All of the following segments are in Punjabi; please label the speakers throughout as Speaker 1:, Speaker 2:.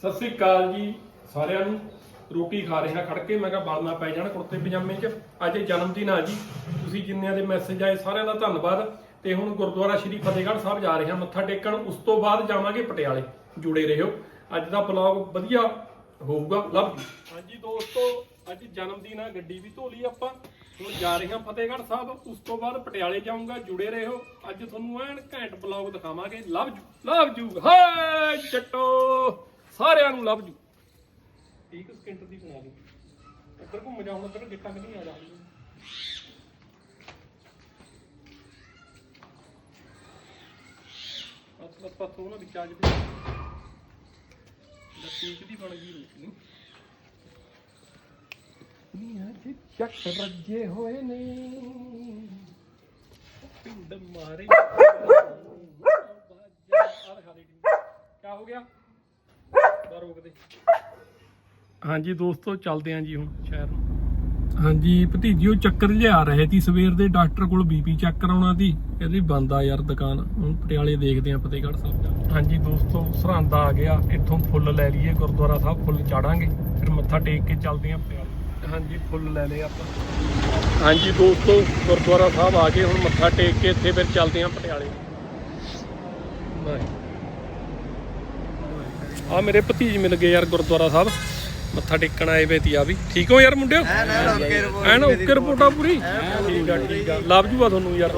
Speaker 1: ਸਤਿ ਸ੍ਰੀ ਅਕਾਲ ਜੀ ਸਾਰਿਆਂ ਨੂੰ। ਰੋਟੀ ਖਾ ਰਿਹਾ ਖੜ ਕੇ, ਮੈਂ ਕਿਹਾ ਬਾਲਣਾ ਪੈ ਜਾਣਾ ਕੁੜਤੇ ਪਜਾਮੇ 'ਚ। ਅੱਜ ਜਨਮ ਦਿਨ ਆ ਜੀ, ਤੁਸੀਂ ਜਿੰਨਿਆਂ ਦੇ ਮੈਸੇਜ ਆਏ ਸਾਰਿਆਂ ਦਾ ਧੰਨਵਾਦ। ਤੇ ਹੁਣ ਗੁਰਦੁਆਰਾ ਸ਼੍ਰੀ ਫਤਿਹਗੜ੍ਹ ਸਾਹਿਬ ਜਾ ਰਹੇ ਹਾਂ ਮੱਥਾ ਟੇਕਣ, ਉਸ ਤੋਂ ਬਾਅਦ ਜਾਵਾਂਗੇ ਪਟਿਆਲੇ। ਜੁੜੇ ਰਹੋ, ਅੱਜ ਦਾ ਵਲੌਗ ਵਧੀਆ ਹੋਊਗਾ। Love you. ਹਾਂਜੀ ਦੋਸਤੋ, ਅੱਜ ਜਨਮ ਦਿਨ ਆ, ਗੱਡੀ ਵੀ ਧੋ ਲਈ ਆਪਾਂ। ਹੁਣ ਜਾ ਰਹੇ ਹਾਂ ਫਤਿਹਗੜ੍ਹ ਸਾਹਿਬ, ਉਸ ਤੋਂ ਬਾਅਦ ਪਟਿਆਲੇ ਜਾਊਂਗਾ। ਜੁੜੇ ਰਹੋ, ਅੱਜ ਤੁਹਾਨੂੰ ਐਨ ਘੈਂਟ ਵਲੌਗ ਦਿਖਾਵਾਂਗੇ। Love you love you. ਹਾਏ ਚੱਟੋ ਸਾਰਿਆਂ ਨੂੰ ਲਵ ਯੂ। 30 ਸਕਿੰਟ ਦੀ ਬਣਾ ਲਈ। ਇੱਧਰ ਘੁੰਮ ਜਾ, ਹੁਣ ਇੱਧਰ ਗਿੱਟਾਂ ਨਹੀਂ ਆ ਜਾ। ਬਸ ਪੱਥੋਂ ਨਾ ਵਿੱਚ ਆ ਜਵੇ। ਲੱਤੀਕ ਦੀ ਬਣ ਗਈ ਰੋਟੀ ਨੀ। ਅੱਜ ਚੱਕ ਰੱਜੇ ਹੋਏ ਨੇ ਪਿੰਡ ਮਾਰੇ। ਕਿਆ ਹੋ ਗਿਆ? ਰੋਕ ਦੇ। ਹਾਂਜੀ ਦੋਸਤੋ, ਚੱਲਦੇ ਆਂ ਜੀ ਹੁਣ ਸ਼ਹਿਰ ਨੂੰ। ਹਾਂਜੀ ਭਤੀਜੀਓ, ਚੱਕਰ ਲਿਆ ਰਹੇ ਸੀ ਸਵੇਰ ਦੇ। ਡਾਕਟਰ ਕੋਲ ਬੀਪੀ ਚੈੱਕ ਕਰਾਉਣਾ ਸੀ, ਕਹਿੰਦੀ ਬੰਦ ਆ ਯਾਰ ਦੁਕਾਨ। ਹੁਣ ਪਟਿਆਲੇ ਦੇਖਦੇ ਆਂ ਫਤਿਹਗੜ੍ਹ ਸਾਹਿਬ ਜਾ। ਹਾਂਜੀ ਦੋਸਤੋ, ਸਰਹੰਦ ਆ ਗਿਆ। ਇੱਥੋਂ ਫੁੱਲ ਲੈ ਲਈਏ, ਗੁਰਦੁਆਰਾ ਸਾਹਿਬ ਫੁੱਲ ਚਾੜਾਂਗੇ, ਫਿਰ ਮੱਥਾ ਟੇਕ ਕੇ ਚੱਲਦੇ ਆਂ ਪਟਿਆਲੇ। ਹਾਂਜੀ ਫੁੱਲ ਲੈ ਲਏ ਆਪਾਂ। ਹਾਂਜੀ ਦੋਸਤੋ, ਗੁਰਦੁਆਰਾ ਸਾਹਿਬ ਆ ਗਏ। ਹੁਣ ਮੱਥਾ ਟੇਕ ਕੇ ਇੱਥੇ ਫਿਰ ਚੱਲਦੇ ਆਂ ਪਟਿਆਲੇ। ਆ ਮੇਰੇ ਭਤੀਜ ਮਿਲ ਗਏ ਯਾਰ ਗੁਰਦੁਆਰਾ ਸਾਹਿਬ, ਮੱਥਾ ਟੇਕਣ ਆਏ ਵੇ ਤੀ। ਆ ਵੀ ਠੀਕ ਹੋ ਯਾਰ ਮੁੰਡਿਓ? ਐਨ ਓਕੇ ਰਿਪੋਰਟਾਂ ਪੂਰੀ? ਠੀਕ ਆ ਠੀਕ ਆ। ਲਵ ਯੂ ਆ ਤੁਹਾਨੂੰ ਯਾਰ।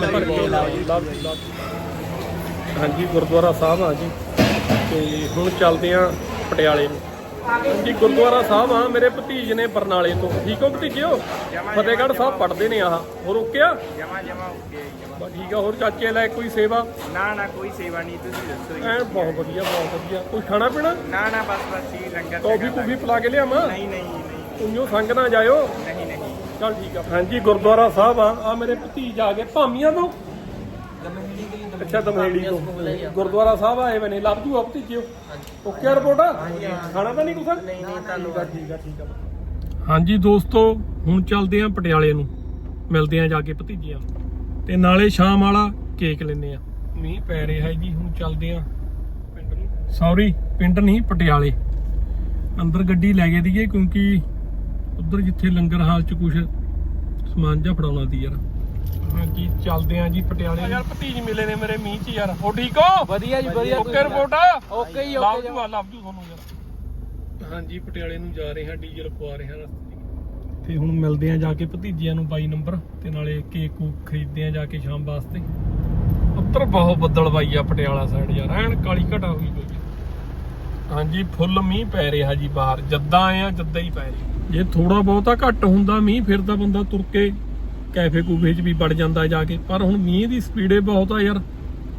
Speaker 1: ਹਾਂਜੀ ਗੁਰਦੁਆਰਾ ਸਾਹਿਬ ਆ ਜੀ, ਤੇ ਹੁਣ ਚੱਲਦੇ ਆ ਪਟਿਆਲੇ ਨੂੰ। ਜੀ ਗੁਰਦੁਆਰਾ ਸਾਹਿਬ ਆ, ਮੇਰੇ ਭਤੀਜ ਨੇ ਬਰਨਾਲੇ ਤੋਂ। ਠੀਕ ਹੋ ਭਤੀਜਿਓ? ਫਤਿਹਗੜ੍ਹ ਸਾਹਿਬ ਪੜ੍ਹਦੇ ਨੇ। ਆਹ ਹੋਰ ਓਕੇ ਆ? ਜਮਾ ਜਮਾ ਓਕੇ। ਠੀਕ ਆ। ਹੋਰ ਚਾਚੇ ਲੈ ਕੋਈ ਸੇਵਾ? ਨਾ ਨਾ ਕੋਈ ਸੇਵਾ ਨਹੀਂ, ਤੁਸੀਂ ਦੱਸੋ। ਐ ਬਹੁਤ ਵਧੀਆ ਬਹੁਤ ਵਧੀਆ। ਕੋਈ ਖਾਣਾ ਪੀਣਾ? ਨਾ ਨਾ ਬਸ ਬਸ ਹੀ ਲੰਗਰ। ਕੌਫੀ ਕੁਫੀ ਪਿਲਾ ਕੇ ਲਿਆਵਾਂ? ਨਹੀਂ ਨਹੀਂ ਨਹੀਂ, ਉਈਓ ਸੰਗ ਨਾ ਜਾਇਓ। ਨਹੀਂ ਨਹੀਂ ਚੱਲ ਠੀਕ ਆ। ਹਾਂਜੀ ਗੁਰਦੁਆਰਾ ਸਾਹਿਬ ਆ ਮੇਰੇ ਭਤੀਜ ਆ ਗਏ ਭਾਮੀਆਂ ਤੋਂ। ਅੱਛਾ ਦਮਹੇੜੀ ਤੋਂ ਗੁਰਦੁਆਰਾ ਸਾਹਿਬ ਆਏ ਬਨੇ। ਲੱਭ ਜੂ ਆ ਭਤੀਜਿਓ? Okay report? ਖਾਣਾ ਤਾਂ ਨਹੀਂ ਕੁਛ? ਨਹੀਂ ਨਹੀਂ ਧੰਨਵਾਦ। ਠੀਕ ਆ ਠੀਕ ਆ। ਹਾਂਜੀ ਦੋਸਤੋ, ਹੁਣ ਚੱਲਦੇ ਆ ਪਟਿਆਲੇ ਨੂੰ, ਮਿਲਦੇ ਆ ਜਾ ਕੇ ਭਤੀਜਿਆਂ ਤੇ ਨਾਲੇ ਸ਼ਾਮ ਵਾਲਾ ਕੇਕ ਲੈਂਦੇ ਆ। ਮੀਂਹ ਪੈ ਰਿਹਾ ਜੀ। ਹੁਣ ਚੱਲਦੇ ਆ ਪਿੰਡ ਨੂੰ। ਸੌਰੀ ਪਿੰਡ ਨਹੀਂ, ਪਟਿਆਲੇ। ਅੰਦਰ ਗੱਡੀ ਲੈ ਗਏ ਦੀਏ, ਕਿਉਂਕਿ ਉਧਰ ਜਿੱਥੇ ਲੰਗਰ ਹਾਲ ਚ ਕੁਛ ਸਮਾਨ ਜਿਹਾ ਫੜਾਉਣਾ ਸੀ ਯਾਰ। ਹਾਂਜੀ ਚੱਲਦੇ ਆ ਜੀ ਪਟਿਆਲੇ। ਯਾਰ ਭਤੀਜ ਮਿਲੇ ਨੇ ਮੇਰੇ ਮੀਂਹ ਚ ਯਾਰ। ਹੋ ਠੀਕ ਹੋ? ਵਧੀਆ ਜੀ ਵਧੀਆ। Okay report? ਓਕੇ ਹੀ ਓਕੇ। ਲਵ ਯੂ ਤੁਹਾਨੂੰ ਯਾਰ। ਹਾਂਜੀ ਪਟਿਆਲੇ ਨੂੰ ਜਾ ਰਹੇ ਹਾਂ, ਡੀਜ਼ਲ ਪਵਾ ਰਹੇ ਹਾਂ ਰਸਤੇ ਤੇ। ਹੁਣ ਮਿਲਦੇ ਆ ਜਾ ਕੇ ਭਤੀਜਿਆਂ ਨੂੰ 22 ਨੰਬਰ, ਤੇ ਨਾਲੇ ਕੇਕ ਕੂਕ ਖਰੀਦਦੇ ਆ ਜਾ ਕੇ ਸ਼ਾਮ ਵਾਸਤੇ। ਉੱਤਰ ਬਹੁਤ ਬੱਦਲ ਬਾਈ ਆ ਪਟਿਆਲਾ ਸਾਈਡ ਯਾਰ, ਐਨ ਕਾਲੀ ਘਟਾ ਹੋਈ ਪਈ। ਹਾਂਜੀ ਫੁੱਲ ਮੀਂਹ ਪੈ ਰਿਹਾ ਜੀ ਬਾਹਰ। ਜੱਦਾਂ ਆਏ ਆ ਜੱਦਾਂ ਹੀ ਪੈ ਰਿਹਾ। ਜੇ ਥੋੜਾ ਬਹੁਤਾ ਘੱਟ ਹੁੰਦਾ ਮੀਂਹ, ਫਿਰ ਤਾਂ ਬੰਦਾ ਤੁਰ ਕੇ ਕੈਫੇ ਕੂਫੇ 'ਚ ਵੀ ਵੜ ਜਾਂਦਾ ਜਾ ਕੇ। ਪਰ ਹੁਣ ਮੀਂਹ ਦੀ ਸਪੀਡੇ ਬਹੁਤ ਆ ਯਾਰ।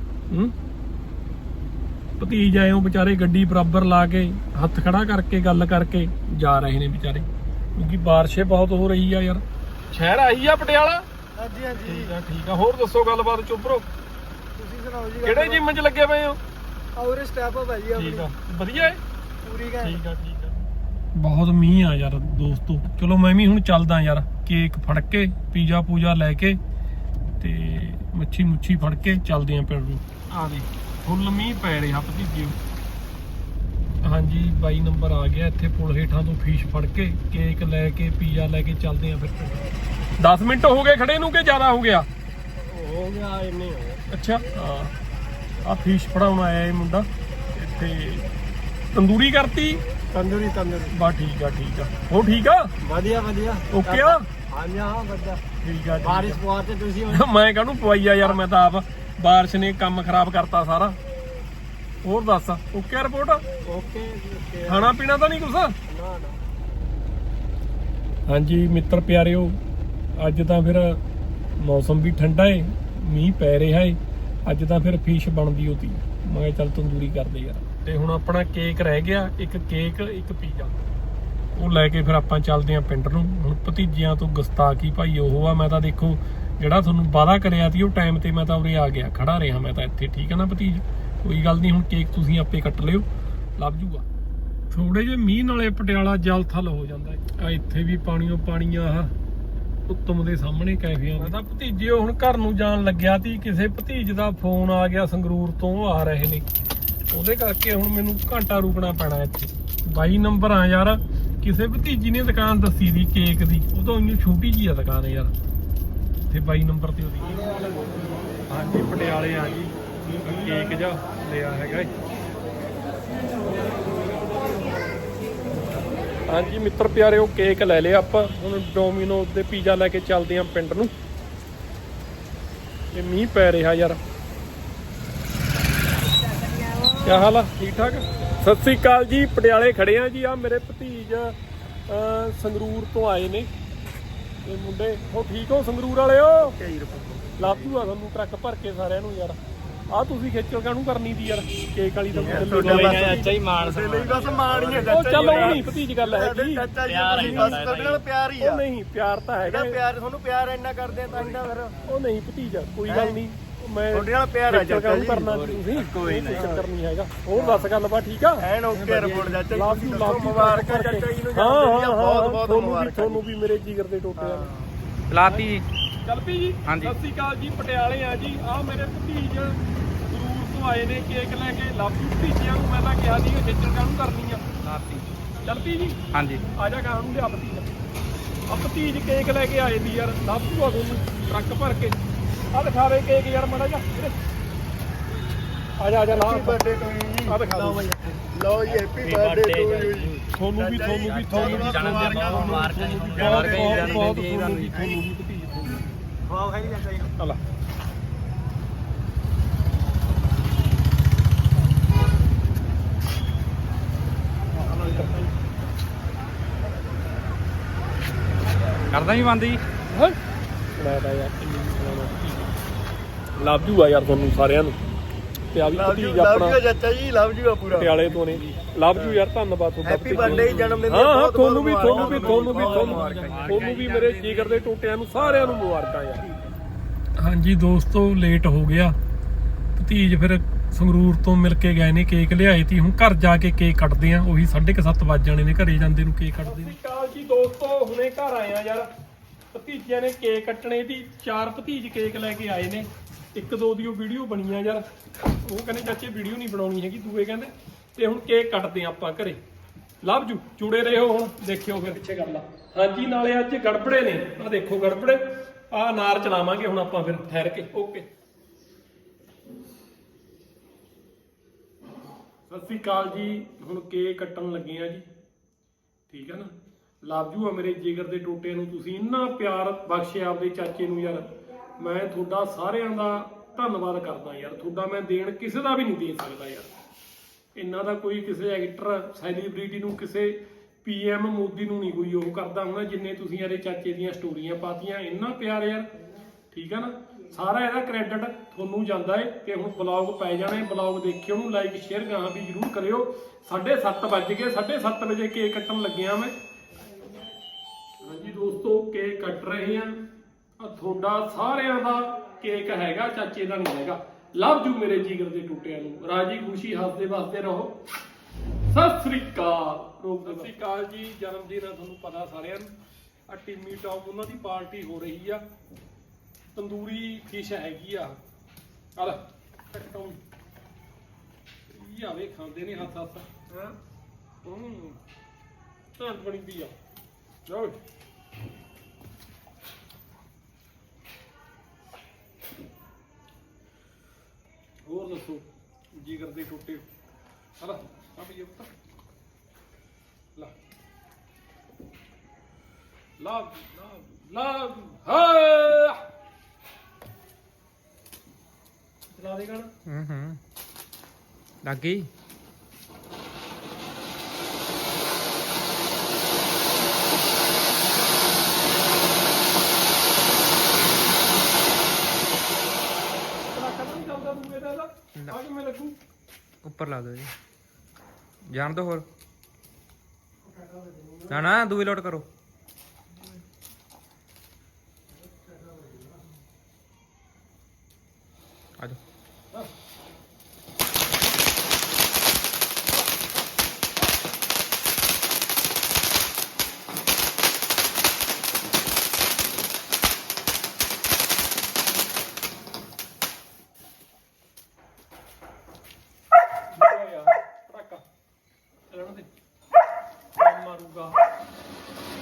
Speaker 1: ਭਤੀਜ ਆਏ ਹੋ ਵਿਚਾਰੇ, ਗੱਡੀ ਬਰਾਬਰ ਲਾ ਕੇ ਹੱਥ ਖੜਾ ਕਰਕੇ ਗੱਲ ਕਰਕੇ ਜਾ ਰਹੇ ਨੇ ਵਿਚਾਰੇ, ਕਿਉਂਕਿ ਬਾਰਿਸ਼ ਬਹੁਤ ਹੋ ਰਹੀ ਆ ਯਾਰ। ਸ਼ਹਿਰ ਆਹੀ ਆ ਪਟਿਆਲਾ? ਹਾਂਜੀ ਹਾਂਜੀ ਠੀਕ ਆ ਠੀਕ ਆ। ਹੋਰ ਦੱਸੋ ਗੱਲਬਾਤ ਚੁੱਪਰੋ? ਤੁਸੀਂ ਸੁਣਾਓ ਜੀ। ਕਿਹੜੇ ਜਿੰਮ 'ਚ ਲੱਗੇ ਪਏ ਹੋ? ਆਉਰੇ ਸਟੈਪ ਅਪ ਹੈ ਜੀ। ਠੀਕ ਆ ਵਧੀਆ ਹੈ ਪੂਰੀ। ਠੀਕ ਆ ਠੀਕ ਆ। ਬਹੁਤ ਮੀਂਹ ਆ ਯਾਰ ਦੋਸਤੋ। ਚਲੋ ਮੈਂ ਵੀ ਹੁਣ ਚੱਲਦਾ ਯਾਰ, ਕੇਕ ਫੜ ਕੇ ਪੀਜ਼ਾ ਪੂਜਾ ਲੈ ਕੇ ਤੇ ਮੱਛੀ ਮੁੱਛੀ ਫੜ ਕੇ ਚੱਲਦੇ ਆ ਪਿੰਡ ਨੂੰ। ਆ ਦੇ ਫੁੱਲ ਮੀਂਹ ਪੈ ਰਿਹਾ ਭਤੀਜਿਓ। ਹਾਂਜੀ 22 ਨੰਬਰ ਆ ਗਿਆ। ਇੱਥੇ ਪੁਲ ਹੇਠਾਂ ਤੋਂ ਫੀਸ਼ ਫੜ ਕੇ ਕੇਕ ਲੈ ਕੇ ਪੀਜ਼ਾ ਲੈ ਕੇ ਚੱਲਦੇ ਆ ਫਿਰ। 10 ਮਿੰਟ ਹੋ ਗਏ ਖੜੇ ਨੂੰ ਕਿ ਜ਼ਿਆਦਾ ਹੋ ਗਿਆ? ਹੋ ਗਿਆ ਇੰਨੇ। ਅੱਛਾ ਹਾਂ, ਆ ਫੀਸ਼ ਫੜਾਉਣ ਆਇਆ ਇਹ ਮੁੰਡਾ ਇੱਥੇ। ਤੰਦੂਰੀ ਕਰਤੀ? ਤੰਦੂਰੀ ਤੰਦੂਰੀ ਬਸ। ਠੀਕ ਆ ਠੀਕ ਆ। ਹੋ ਠੀਕ ਆ? ਵਧੀਆ ਵਧੀਆ ਓਕੇ ਆ। ਹਾਂਜੀ ਹਾਂ ਵਧੀਆ ਠੀਕ ਆ। ਬਾਰਿਸ਼ ਪਵਾਤੇ ਤੁਸੀਂ? ਮੈਂ ਕਾਹਨੂੰ ਪਵਾਈ ਆ ਯਾਰ, ਮੈਂ ਤਾਂ ਆਪ। ਬਾਰਿਸ਼ ਨੇ ਕੰਮ ਖਰਾਬ ਕਰਤਾ ਸਾਰਾ। ਹੋਰ ਦੱਸ ਓਕੇ ਰਿਪੋਰਟ? Okay okay. ਖਾਣਾ ਪੀਣਾ ਤਾਂ ਨਹੀਂ ਕੁਛ? ਨਾ ਨਾ। ਹਾਂਜੀ ਮਿੱਤਰ ਪਿਆਰਿਓ, ਅੱਜ ਤਾਂ ਫਿਰ ਮੌਸਮ ਵੀ ਠੰਡਾ ਏ, ਮੀਂਹ ਪੈ ਰਿਹਾ ਏ। ਅੱਜ ਤਾਂ ਫਿਰ ਫਿਸ਼ ਬਣਦੀ ਹੋਤੀ। ਮੈਂ ਕਿਹਾ ਚੱਲ ਤੰਦੂਰੀ ਕਰਦੇ ਯਾਰ। ਤੇ ਹੁਣ ਆਪਣਾ ਕੇਕ ਰਹਿ ਗਿਆ, ਇੱਕ ਕੇਕ ਇੱਕ ਪੀਜ਼ਾ, ਉਹ ਲੈ ਕੇ ਫਿਰ ਆਪਾਂ ਚੱਲਦੇ ਆਂ ਪਿੰਡ ਨੂੰ। ਹੁਣ ਭਤੀਜਿਆਂ ਤੋਂ ਗੁਸਤਾਖੀ ਭਾਈ ਉਹ ਆ। ਮੈਂ ਤਾਂ ਦੇਖੋ ਜਿਹੜਾ ਤੁਹਾਨੂੰ ਵਾਅਦਾ ਕਰਿਆ ਸੀ ਉਹ ਟਾਈਮ ਤੇ ਮੈਂ ਤਾਂ ਉਰੇ ਆ ਗਿਆ, ਖੜਾ ਰਿਹਾ ਮੈਂ ਤਾਂ ਇੱਥੇ। ਠੀਕ ਹੈ ਨਾ ਭਤੀਜ? ਕੋਈ ਗੱਲ ਨਹੀਂ, ਹੁਣ ਕੇਕ ਤੁਸੀਂ ਆਪੇ ਕੱਟ ਲਿਓ, ਲੱਭ ਜੂਗਾ। ਥੋੜੇ ਜਿਹੇ ਮੀਂਹ ਨਾਲੇ ਪਟਿਆਲਾ ਜਲ ਥਲ ਹੋ ਜਾਂਦਾ ਹੈ। ਇੱਥੇ ਵੀ ਪਾਣੀਓ ਪਾਣੀ ਆ ਉੱਤਮ ਦੇ ਸਾਹਮਣੇ ਕੈਫਿਆਂ। ਮੈਂ ਤਾਂ ਭਤੀਜਿਓ ਹੁਣ ਘਰ ਨੂੰ ਜਾਣ ਲੱਗਿਆ ਸੀ, ਕਿਸੇ ਭਤੀਜ ਦਾ ਫੋਨ ਆ ਗਿਆ ਸੰਗਰੂਰ ਤੋਂ, ਆ ਰਹੇ ਨੇ ਉਹਦੇ ਕਰਕੇ ਹੁਣ ਮੈਨੂੰ ਘੰਟਾ ਰੁਕਣਾ ਪੈਣਾ ਇੱਥੇ 22 ਨੰਬਰ ਆ ਯਾਰ। ਕਿਸੇ ਭਤੀਜੀ ਨੇ ਦੁਕਾਨ ਦੱਸੀ ਦੀ ਕੇਕ ਦੀ, ਉਹ ਤਾਂ ਇੰਨੀ ਛੋਟੀ ਜਿਹੀ ਆ ਦੁਕਾਨ ਯਾਰ। ਤੇ 22 ਨੰਬਰ ਤੇ ਉਹਦੀ ਹਾਂਜੀ ਪਟਿਆਲੇ ਆ ਜੀ ਕੇਕ ਜਾ ਲਿਆ ਹੈਗਾ। ਹਾਂਜੀ ਮਿੱਤਰ ਪਿਆਰੇ ਉਹ ਕੇਕ ਲੈ ਲਿਆ ਆਪਾਂ। ਹੁਣ ਡੋਮੀਨੋਜ਼ ਦੇ ਪੀਜ਼ਾ ਲੈ ਕੇ ਚੱਲਦੇ ਆਂ ਪਿੰਡ ਨੂੰ। ਇਹ ਮੀਂਹ ਪੈ ਰਿਹਾ ਯਾਰ। ਕੀ ਹਾਲ ਆ? ਠੀਕ ਠਾਕ। ਸਤਿ ਸ੍ਰੀ ਅਕਾਲ ਜੀ। ਪਟਿਆਲੇ ਖੜੇ ਆ ਜੀ। ਆ ਮੇਰੇ ਭਤੀਜ ਸੰਗਰੂਰ ਤੋਂ ਆਏ ਨੇ ਇਹ ਮੁੰਡੇ। ਉਹ ਠੀਕ ਹੋ ਸੰਗਰੂਰ ਵਾਲਿਓ? ਲੱਭ ਜੂਗਾ ਤੁਹਾਨੂੰ ਟਰੱਕ ਭਰ ਕੇ ਸਾਰਿਆਂ ਨੂੰ ਯਾਰ। ਆ ਤੁਸੀਂ ਖੇਚਲ ਕਾਹਨੂੰ ਕਰਨੀ ਦੀ ਯਾਰ ਕੇਕ ਵਾਲੀ ਤਾਂ
Speaker 2: ਚਾਚਾ ਹੀ ਮਾਣ
Speaker 3: ਬਸ ਮਾਣ ਹੀ ਹੈ
Speaker 1: ਉਹ ਚੱਲ ਉਹ ਨਹੀਂ ਭਤੀਜ ਗੱਲ ਹੈਗੀ।
Speaker 3: ਪਿਆਰ ਹੀ ਬਸ ਤੁਹਾਡੇ ਨਾਲ ਪਿਆਰ ਹੀ ਆ।
Speaker 1: ਉਹ ਨਹੀਂ ਪਿਆਰ ਤਾਂ ਹੈਗਾ।
Speaker 3: ਪਿਆਰ ਤੁਹਾਨੂੰ ਪਿਆਰ ਇੰਨਾ ਕਰਦੇ ਆ ਤਾਂ ਇੰਨਾ ਫਿਰ
Speaker 1: ਉਹ ਨਹੀਂ ਭਤੀਜ ਕੋਈ ਗੱਲ ਨਹੀਂ। ਮੈਂ
Speaker 3: ਤੁਹਾਡੇ ਨਾਲ ਪਿਆਰ ਆ ਚਾਚਾ ਜੀ।
Speaker 1: ਕਰਨਾ ਤੁਸੀਂ ਕੋਈ ਚੱਕਰ ਨਹੀਂ ਹੈਗਾ। ਹੋਰ ਦੱਸ ਗੱਲਬਾਤ ਠੀਕ ਆ?
Speaker 3: ਐਨ ਓਕੇ ਰਿਪੋਰਟ ਚਾਚਾ ਜੀ।
Speaker 1: ਲਾਭ ਯੂ ਲਾਭ
Speaker 3: ਮੁਬਾਰਕਾਂ ਚਾਚਾ ਜੀ ਨੂੰ।
Speaker 1: ਹਾਂ
Speaker 3: ਬਹੁਤ ਬਹੁਤ ਮੁਬਾਰਕਾਂ।
Speaker 1: ਤੁਹਾਨੂੰ ਵੀ ਮੇਰੇ ਜਿਗਰ ਦੇ ਟੋਟੇ ਆ।
Speaker 2: ਲਾਤੀ ਜੀ
Speaker 1: ਚੱਲ ਪੀ ਜੀ। ਸਤਿ ਸ੍ਰੀ ਅਕਾਲ ਜੀ। ਪਟਿਆਲੇ ਆ ਜੀ। ਆ ਮੇਰੇ ਭਤੀਜ ਜ਼ਰੂਰ ਤੋਂ ਆਏ ਨੇ ਕੇਕ ਲੈ ਕੇ। ਲੱਭ ਜੂ ਭਤੀਜਿਆਂ ਨੂੰ ਮੈਂ ਤਾਂ ਕਿਹਾ ਸੀ ਖੇਚਲ ਕਾਹਨੂੰ ਕਰਨੀ ਆ।
Speaker 2: ਲਾਤੀ
Speaker 1: ਚੱਲ ਪੀ ਜੀ।
Speaker 2: ਹਾਂਜੀ
Speaker 1: ਆ ਜਾ ਗਾਂ ਨੂੰ ਲਿਆ ਭਤੀਜ। ਆ ਭਤੀਜ ਕੇਕ ਲੈ ਕੇ ਆਏ ਦੀ ਯਾਰ। ਲੱਭ ਜੂਗਾ ਤੁਹਾਨੂੰ ਟਰੱਕ ਭਰ ਕੇ। ਆ ਦਿਖਾਵੇ ਕੇਕ ਯਾਰ ਮਾੜਾ ਜਿਹਾ। ਆ ਜਾ ਲਾ
Speaker 3: ਬਰਥਡੇ ਟੂ ਯੂ।
Speaker 1: ਆ ਦਿਖਾ ਲਓ
Speaker 3: ਲਓ ਜੀ ਹੈਪੀ ਬਰਥਡੇ ਟੂ ਯੂ ਜੀ।
Speaker 1: ਤੁਹਾਨੂੰ ਵੀ
Speaker 3: ਵਾਹ ਖਾਈ ਚਾਚਾ ਜੀ।
Speaker 1: ਹਲਾ
Speaker 2: ਕਰਦਾ ਹੀ ਬੰਦ ਜੀ।
Speaker 1: ਮੈਂ ਤਾਂ ਯਾਰ ਲੱਭ ਜੂਗਾ ਯਾਰ ਤੁਹਾਨੂੰ ਸਾਰਿਆਂ ਨੂੰ। ਤੇ ਆ ਵੀ ਭਤੀਜ ਆਪਣਾ
Speaker 3: ਚਾਚਾ ਜੀ ਲਵ ਜੂਗਾ ਪੂਰਾ
Speaker 1: ਪਟਿਆਲੇ ਤੋਂ ਨੇ। ਲੱਭ ਜੂ ਯਾਰ ਧੰਨਵਾਦ ਤੁਹਾਡਾ।
Speaker 3: ਹੈਪੀ ਬਰਥਡੇ ਜਨਮ ਦਿਨ।
Speaker 1: ਹਾਂ ਤੁਹਾਨੂੰ ਵੀ ਮੇਰੇ ਜਿਗਰ ਦੇ ਟੋਟਿਆਂ ਨੂੰ ਸਾਰਿਆਂ ਨੂੰ ਮੁਬਾਰਕਾਂ ਯਾਰ। ਹਾਂਜੀ ਦੋਸਤੋ ਲੇਟ ਹੋ ਗਿਆ। ਭਤੀਜ ਫਿਰ ਸੰਗਰੂਰ ਤੋਂ ਮਿਲ ਕੇ ਗਏ ਨੇ। ਕੇਕ ਲਿਆਏ ਤੀ। ਹੁਣ ਘਰ ਜਾ ਕੇ ਕੇਕ ਕੱਟਦੇ ਆ। ਉਹੀ 7:30 ਵੱਜ ਜਾਣੇ ਨੇ ਘਰੇ ਜਾਂਦੇ ਨੂੰ ਕੇਕ ਕੱਟਦੇ ਨੇ। ਸਤਿ ਸ਼੍ਰੀ ਅਕਾਲ ਜੀ ਦੋਸਤੋ। ਹੁਣੇ ਘਰ ਆਏ ਆ ਯਾਰ। ਭਤੀਜਿਆਂ ਨੇ ਕੇਕ ਕੱਟਣੇ ਦੀ। 4 ਭਤੀਜ ਕੇਕ ਲੈ ਕੇ ਆਏ ਨੇ। ਇੱਕ ਦੋ ਦੀ ਉਹ ਵੀਡੀਓ ਬਣੀ ਆ ਯਾਰ। ਉਹ ਕਹਿੰਦੇ ਚਾਚੇ ਵੀਡੀਓ ਨਹੀਂ ਬਣਾਉਣੀ ਹੈਗੀ। ਦੂਏ ਕਹਿੰਦੇ ਤੇ ਹੁਣ ਕੇਕ ਕੱਟਦੇ ਆ ਆਪਾਂ ਘਰੇ। ਲੱਭ ਜੂ ਜੁੜੇ ਰਹੋ। ਹੁਣ ਦੇਖਿਓ ਫਿਰ ਪਿੱਛੇ ਕਰ ਲਾ। ਹਾਂਜੀ ਨਾਲੇ ਅੱਜ ਗੜਬੜੇ ਨੇ। ਆ ਦੇਖੋ ਗੜਬੜੇ। ਆ ਅਨਾਰ ਚਲਾਵਾਂਗੇ ਹੁਣ ਆਪਾਂ ਫਿਰ ਠਹਿਰ ਕੇ। ਓਕੇ ਸਤਿ ਸ੍ਰੀ ਅਕਾਲ ਜੀ। ਹੁਣ ਕੇਕ ਕੱਟਣ ਲੱਗੇ ਆ ਜੀ। ਠੀਕ ਹੈ ਨਾ। ਲੱਭ ਜੂ ਆ ਮੇਰੇ ਜਿਗਰ ਦੇ ਟੋਟਿਆਂ ਨੂੰ। ਤੁਸੀਂ ਇੰਨਾ ਪਿਆਰ ਬਖਸ਼ਿਆ ਆਪਦੇ ਚਾਚੇ ਨੂੰ ਯਾਰ। ਮੈਂ ਤੁਹਾਡਾ ਸਾਰਿਆਂ ਦਾ ਧੰਨਵਾਦ ਕਰਦਾ ਯਾਰ। ਤੁਹਾਡਾ ਮੈਂ ਦੇਣ ਕਿਸੇ ਦਾ ਵੀ ਨਹੀਂ ਦੇ ਸਕਦਾ ਯਾਰ। ਇਹਨਾਂ ਦਾ ਕੋਈ ਕਿਸੇ ਐਕਟਰ ਸੈਲੀਬ੍ਰਿਟੀ ਨੂੰ ਕਿਸੇ PM ਮੋਦੀ ਨੂੰ ਨਹੀਂ ਕੋਈ ਉਹ ਕਰਦਾ ਹੋਣਾ ਜਿੰਨੇ ਤੁਸੀਂ ਇਹਦੇ ਚਾਚੇ ਦੀਆਂ ਸਟੋਰੀਆਂ ਪਾਤੀਆਂ। ਇੰਨਾ ਪਿਆਰ ਯਾਰ। ਠੀਕ ਹੈ ਨਾ। ਸਾਰਾ ਇਹਦਾ ਕ੍ਰੈਡਿਟ ਤੁਹਾਨੂੰ ਜਾਂਦਾ ਹੈ। ਤੇ ਹੁਣ ਬਲੌਗ ਪੈ ਜਾਣੇ। ਬਲੌਗ ਦੇਖਿਓ ਉਹਨੂੰ ਲਾਈਕ ਸ਼ੇਅਰ ਗਾਹਾਂ ਵੀ ਜ਼ਰੂਰ ਕਰਿਓ। 7:30 ਵੱਜ ਗਏ। 7:30 ਵਜੇ ਕੇਕ ਕੱਟਣ ਲੱਗਿਆ ਮੈਂ। ਹਾਂਜੀ ਦੋਸਤੋ ਕੇਕ ਕੱਟ ਰਹੇ ਆ। ਤੁਹਾਡਾ ਸਾਰਿਆਂ ਦਾ ਕੇਕ ਹੈਗਾ ਚਾਚੇ ਦਾ ਨਹੀਂ ਹੈਗਾ। ਲਵ ਜੂ ਮੇਰੇ ਜਿਗਰ ਦੇ ਟੁੱਟਿਆਂ ਨੂੰ। ਰਾਜੀ ਖੁਸ਼ੀ ਹੱਸਦੇ ਵਸਦੇ ਰਹੋ। ਸਤਿ ਸ੍ਰੀ ਅਕਾਲ। ਸਤਿ ਸ੍ਰੀ ਅਕਾਲ ਜੀ। ਜਨਮ ਦਿਨ ਆ ਤੁਹਾਨੂੰ ਪਤਾ ਸਾਰਿਆਂ ਨੂੰ। ਆ ਟਿੰਮੀ ਟੌਪ ਉਹਨਾਂ ਦੀ ਪਾਰਟੀ ਹੋ ਰਹੀ ਆ। ਤੰਦੂਰੀ ਫਿਸ਼ ਹੈਗੀ ਆ। ਚੱਲ ਕੱਟੋ ਇਹ ਆਵੇ ਖਾਂਦੇ ਨੇ ਹੱਥ ਹੱਥ। ਹਾਂ ਤਾਂ ਬਣੀ ਪਈ ਆ। ਲਓ ਹੋਰ ਦੱਸੋ ਜਿਗਰ ਦੇ ਟੋਟੇ। ਹਲਾ ਆ ਵੀ ਉੱਤਰ ਲਾ ਲਾ ਲਾ ਹਾਂ ਚਲਾ ਦੇ ਗਾਣਾ।
Speaker 2: ਲੱਗ ਗਈ। ਉੱਪਰ ਲਾ ਦਿਓ ਜੀ। ਜਾਣ ਦੋ ਹੋਰ ਨਾ ਦੂਈ ਲੋਟ ਕਰੋ। ਆ ਜਾਓ।
Speaker 1: ਮਾਰੂਗਾ